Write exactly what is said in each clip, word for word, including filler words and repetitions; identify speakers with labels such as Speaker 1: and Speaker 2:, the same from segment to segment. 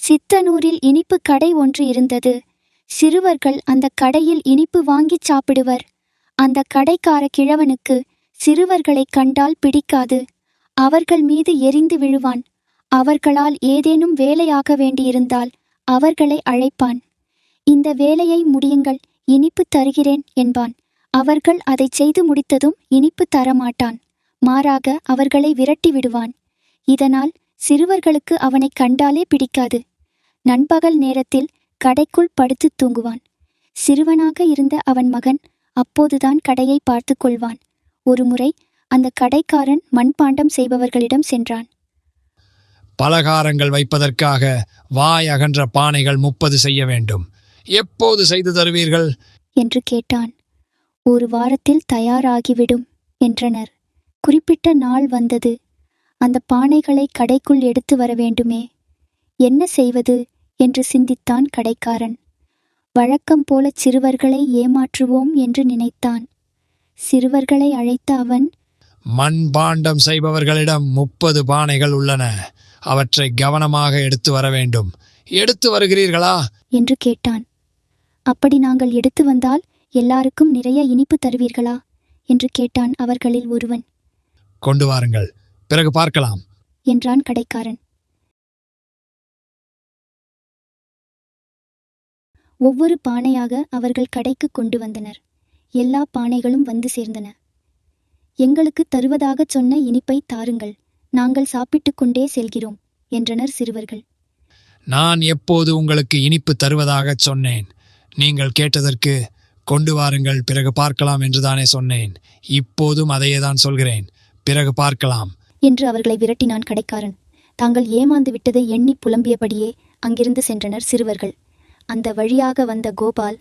Speaker 1: சித்தனூரில் இனிப்பு கடை ஒன்று இருந்தது. சிறுவர்கள் அந்த கடையில் இனிப்பு வாங்கிச் சாப்பிடுவர். அந்த கடைக்கார கிழவனுக்கு சிறுவர்களை கண்டால் பிடிக்காது. அவர்கள் மீது எரிந்து விழுவான். அவர்களால் ஏதேனும் வேலையாக வேண்டியிருந்தால் அவர்களை அழைப்பான். இந்த வேலையை முடியுங்கள், இனிப்பு தருகிறேன் என்பான். அவர்கள் அதை செய்து முடித்ததும் இனிப்பு தரமாட்டான். மாறாக அவர்களை விரட்டி விடுவான். இதனால் சிறுவர்களுக்கு அவனை கண்டாலே பிடிக்காது. நண்பகல் நேரத்தில் கடைக்குள் படுத்து தூங்குவான். சிறுவனாக இருந்த அவன் மகன் அப்போதுதான் கடையை பார்த்து கொள்வான். ஒருமுறை அந்த கடைக்காரன் மண்பாண்டம் செய்பவர்களிடம் சென்றான்.
Speaker 2: பலகாரங்கள் வைப்பதற்காக வாய் அகன்ற பானைகள் முப்பது செய்ய வேண்டும். எப்போது செய்து தருவீர்கள்
Speaker 1: என்று கேட்டான். ஒரு வாரத்தில் தயாராகிவிடும் என்றனர். குறிப்பிட்ட நாள் வந்தது. அந்த பானைகளை கடைக்குள் எடுத்து வர வேண்டுமே. என்ன செய்வது என்று சிந்தித்தான் கடைக்காரன். வழக்கம் போல சிறுவர்களை ஏமாற்றுவோம் என்று நினைத்தான். சிறுவர்களை அழைத்த அவன்,
Speaker 2: மண்பாண்டம் செய்பவர்களிடம் முப்பது பானைகள் உள்ளன. அவற்றை கவனமாக எடுத்து வர வேண்டும். எடுத்து வருகிறீர்களா
Speaker 1: என்று கேட்டான். அப்படி நாங்கள் எடுத்து வந்தால் எல்லாருக்கும் நிறைய இனிப்பு தருவீர்களா என்று கேட்டான் அவர்களில் ஒருவன்.
Speaker 2: கொண்டு வாருங்கள், பிறகு பார்க்கலாம்
Speaker 1: என்றான் கடைக்காரன். ஒவ்வொரு பானையாக அவர்கள் கடைக்கு கொண்டு வந்தனர். எல்லா பானைகளும் வந்து சேர்ந்தன. எங்களுக்கு தருவதாகச் சொன்ன இனிப்பை தாருங்கள், நாங்கள் சாப்பிட்டு கொண்டே செல்கிறோம் என்றனர் சிறுவர்கள்.
Speaker 2: நான் எப்போது உங்களுக்கு இனிப்பு தருவதாகச் சொன்னேன்? நீங்கள் கேட்டதற்கு கொண்டு வாருங்கள், பிறகு பார்க்கலாம் என்றுதானே சொன்னேன். இப்போதும் அதையேதான் சொல்கிறேன், பிறகு பார்க்கலாம்
Speaker 1: என்று அவர்களை விரட்டினான் கடைக்காரன். தாங்கள் ஏமாந்து விட்டதை எண்ணி புலம்பியபடியே அங்கிருந்து சென்றனர் சிறுவர்கள். அந்த வழியாக வந்த கோபால்,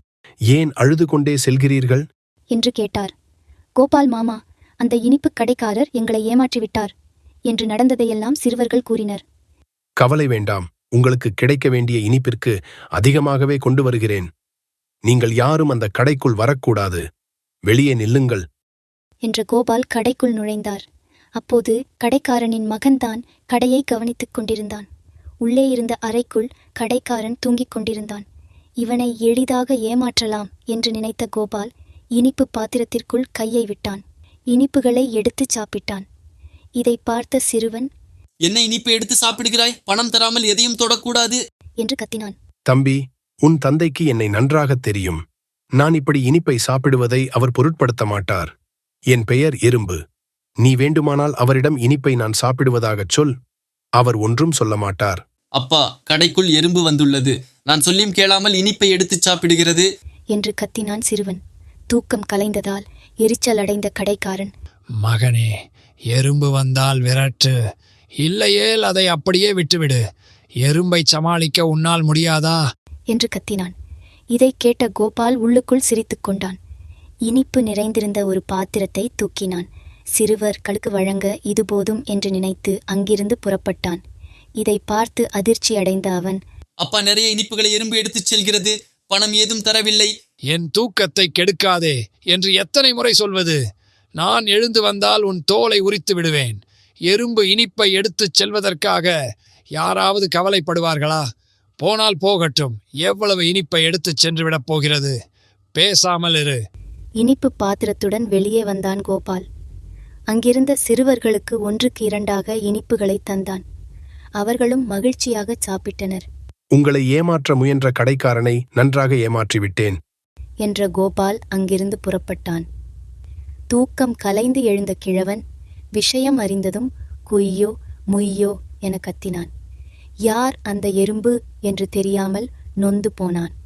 Speaker 3: ஏன் அழுது கொண்டே செல்கிறீர்கள்
Speaker 1: என்று கேட்டார். கோபால் மாமா, அந்த இனிப்பு கடைக்காரர் எங்களை ஏமாற்றிவிட்டார் என்று நடந்ததையெல்லாம் சிறுவர்கள் கூறினர்.
Speaker 3: கவலை வேண்டாம், உங்களுக்கு கிடைக்க வேண்டிய இனிப்பிற்கு அதிகமாகவே கொண்டு வருகிறேன். நீங்கள் யாரும் அந்த கடைக்குள் வரக்கூடாது, வெளியே நில்லுங்கள்
Speaker 1: என்ற கோபால் கடைக்குள் நுழைந்தார். அப்போது கடைக்காரனின் மகன்தான் கடையை கவனித்துக் கொண்டிருந்தான். உள்ளே இருந்த அறைக்குள் கடைக்காரன் தூங்கிக் கொண்டிருந்தான். இவனை எளிதாக ஏமாற்றலாம் என்று நினைத்த கோபால் இனிப்பு பாத்திரத்திற்குள் கையை விட்டான். இனிப்புகளை எடுத்துச் சாப்பிட்டான். இதை பார்த்த சிறுவன்,
Speaker 4: என்ன இனிப்பு எடுத்து சாப்பிடுகிறாய்? பணம் தராமல் எதையும் தொடக்கூடாது
Speaker 1: என்று கத்தினான்.
Speaker 3: தம்பி, உன் தந்தைக்கு என்னை நன்றாகத் தெரியும். நான் இப்படி இனிப்பை சாப்பிடுவதை அவர் பொருட்படுத்த மாட்டார். என் பெயர் எறும்பு. நீ வேண்டுமானால் அவரிடம் இனிப்பை நான் சாப்பிடுவதாகச் சொல், அவர் ஒன்றும் சொல்ல மாட்டார்.
Speaker 4: அப்பா, கடைக்குள் எறும்பு வந்துள்ளது. நான் சொல்லியும் கேளாமல் இனிப்பை எடுத்துச் சாப்பிடுகிறது
Speaker 1: என்று கத்தினான் சிறுவன். தூக்கம் கலைந்ததால் எரிச்சல் அடைந்த கடைக்காரன்,
Speaker 2: மகனே, எறும்பு வந்தால் விரட்டு, இல்லையேல் அதை அப்படியே விட்டுவிடு. எறும்பை சமாளிக்க உன்னால் முடியாதா
Speaker 1: என்று கத்தினான். இதை கேட்ட கோபால் உள்ளுக்குள் சிரித்துக் கொண்டான். இனிப்பு நிறைந்திருந்த ஒரு பாத்திரத்தை தூக்கினான். சிறுவர்களுக்கு வழங்க இது போதும் என்று நினைத்து அங்கிருந்து புறப்பட்டான். இதை பார்த்து அதிர்ச்சி அடைந்த அவன்,
Speaker 4: அப்பா, நிறைய இனிப்புகளை எறும்பு எடுத்துச் செல்கிறது. பணம் ஏதும் தரவில்லை.
Speaker 2: என் தூக்கத்தை கெடுக்காதே என்று எத்தனை முறை சொல்வது? நான் எழுந்து வந்தால் உன் தோலை உரித்து விடுவேன். எறும்பு இனிப்பை எடுத்துச் செல்வதற்காக யாராவது கவலைப்படுவார்களா? போனால் போகட்டும், எவ்வளவு இனிப்பை எடுத்துச் சென்று விடப் போகிறது? பேசாமல் இரு.
Speaker 1: இனிப்பு பாத்திரத்துடன் வெளியே வந்தான் கோபால். அங்கிருந்த சிறுவர்களுக்கு ஒன்றுக்கு இரண்டாக இனிப்புகளை தந்தான். அவர்களும் மகிழ்ச்சியாக சாப்பிட்டனர்.
Speaker 3: உங்களை ஏமாற்ற முயன்ற கடைக்காரனை நன்றாக ஏமாற்றிவிட்டேன்
Speaker 1: என்ற கோபால் அங்கிருந்து புறப்பட்டான். தூக்கம் கலைந்து எழுந்த கிழவன் விஷயம் அறிந்ததும் குய்யோ முய்யோ என கத்தினான். யார் அந்த எறும்பு என்று தெரியாமல் நொந்து போனான்.